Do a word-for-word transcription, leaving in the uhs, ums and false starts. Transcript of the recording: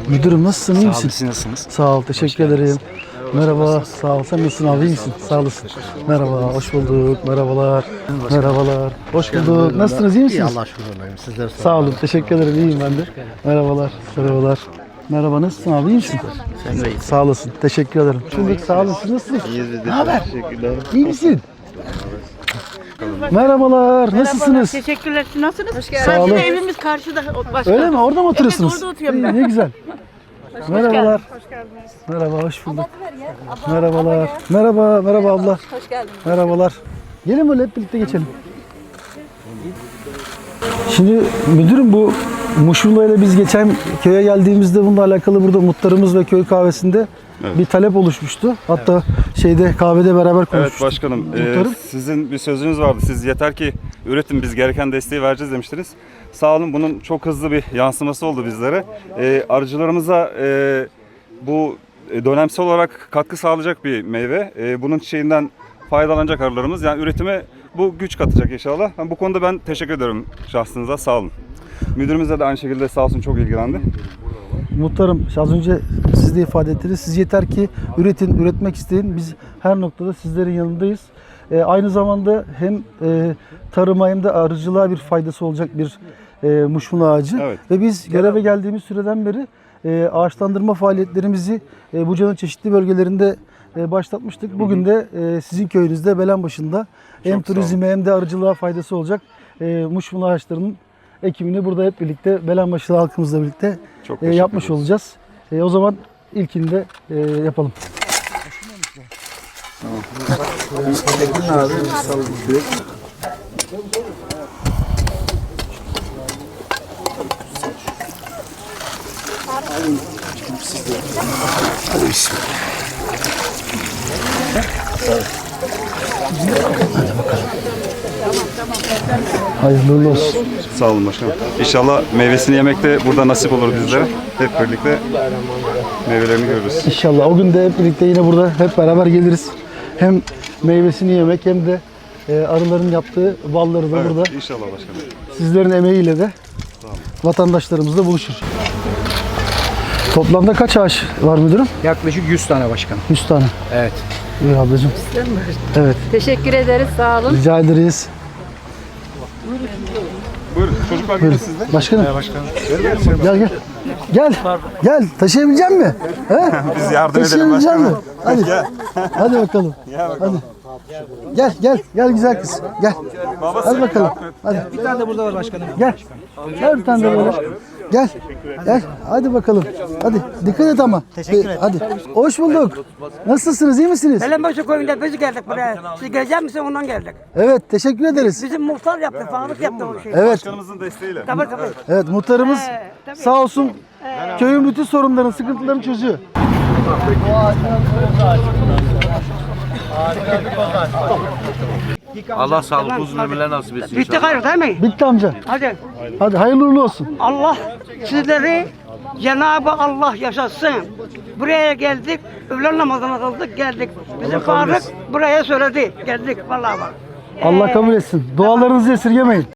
Müdürüm nasılsın, iyi misin? Sağ olun, siz nasılsınız? Sağ ol, teşekkür ederim. Merhaba, sağ ol. Sen nasılsın abi, iyi misin? Sağ olasın. Merhaba, hoş bulduk. Merhabalar. Merhabalar. Hoş bulduk. Nasılsınız, iyi misiniz? Allah şükür olayım. Sizler sağ Sağ olun, teşekkür ederim. İyiyim ben de. Merhabalar, merhabalar. Merhaba, nasılsın abi, iyi misin? Sen de iyisin. Sağ olasın, teşekkür ederim. Bulduk, sağ olun. Siz nasılsınız? İyiyiz biz de. Ne haber? Teşekkürler. İyi misin? Merhabalar, nasılsınız? Teşekkürler. Siz nasılsınız? Hoş geldiniz. Sağ olun. Karşıda evimiz karşıda. Başka. Öyle mi? Orada mı oturuyorsunuz? Evet, orada oturuyorum İyi, ben. ne güzel. Merhabalar. Hoş geldiniz. Merhaba, hoş bulduk. Merhabalar. Merhaba, merhaba abla. Hoş geldiniz. Merhabalar. Gelin böyle hep birlikte geçelim. Şimdi müdürüm, bu Muşmula ile biz geçen köye geldiğimizde bununla alakalı burada muhtarımız ve köy kahvesinde Evet. bir talep oluşmuştu. Hatta şeyde kahvede beraber konuşmuştuk. Evet başkanım, e, Muhtarım. sizin bir sözünüz vardı. Siz yeter ki üretin, biz gereken desteği vereceğiz demiştiniz. Sağ olun, bunun çok hızlı bir yansıması oldu bizlere. E, arıcılarımıza e, bu e, dönemsel olarak katkı sağlayacak bir meyve. E, bunun çiçeğinden faydalanacak arılarımız. Yani üretime bu güç katacak inşallah. Yani bu konuda ben teşekkür ederim şahsınıza, sağ olun. Müdürümüzle de aynı şekilde sağ olsun, çok ilgilendi. Muhtarım, az önce siz de ifade ettiniz. Siz yeter ki üretin, üretmek isteyin. Biz her noktada sizlerin yanındayız. E, aynı zamanda hem e, tarıma hem de arıcılığa bir faydası olacak bir e, muşmula ağacı. Evet. Ve biz göreve geldiğimiz süreden beri e, ağaçlandırma faaliyetlerimizi e, Buca'nın çeşitli bölgelerinde e, başlatmıştık. Bugün de e, sizin köyünüzde Belenbaşı'nda hem Çok sağ olun. turizme hem de arıcılığa faydası olacak e, muşmula ağaçlarının ekimini burada hep birlikte Belenbaşı'lı halkımızla birlikte Çok e, teşekkür yapmış ederiz. olacağız. E, o zaman ilkini de e, yapalım. Hayırlı uğurlu olsun. Sağ olun başkanım. İnşallah meyvesini yemek de burada nasip olur bizlere. Hep birlikte meyvelerini görürüz. İnşallah o gün de hep birlikte yine burada hep beraber geliriz. Hem meyvesini yemek hem de e, arıların yaptığı balları da burada Evet, inşallah başkanım. sizlerin emeğiyle de vatandaşlarımızla buluşur. Toplamda kaç ağaç var müdürüm? Yaklaşık yüz tane başkanım. yüz tane. Evet. Buyur ablacığım. Evet. Teşekkür ederiz. Sağ olun. Rica ederiz. Buyurun, çocuklar gelin siz de. Başkanım. Gel gel. Gel. Gel. Taşıyabilecek misin? He? Biz yardım edelim Taşıyabilecek başkanım. misin? Hadi. Hadi bakalım. Hadi. Gel gel. Gel güzel kız. Gel. Hadi bakalım. Hadi. Bir tane de burada var başkanım. Gel. Gel bir tane de böyle. Gel. Gel. Hadi bakalım. Hadi. Dikkat et ama. Teşekkür ederim. Hadi. Hoş bulduk. Nasılsınız? İyi misiniz? Belenbaşı köyünde biz geldik buraya. Siz gelecek misiniz ondan geldik. Evet. Teşekkür ederiz. Bizim muhtar yaptı, fağlık yaptı o şeyi. Evet. Başkanımızın desteğiyle. Tabii tabii. Evet. Muhtarımız Ee, tabii. sağ olsun köyün bütün sorunlarını, sıkıntılarını çözüyor. Allah sağlık uzun ömürler nasip etsin. Bitti gayrı değil mi? Bitti amca. Hadi. Hadi hayırlı uğurlu olsun. Allah sizleri Cenab-ı Allah yaşatsın. Buraya geldik, öğlen namazına kıldık, geldik. Bizim Faruk buraya söyledi, geldik vallahi bak. Allah kabul etsin. Dualarınızı esirgemeyin.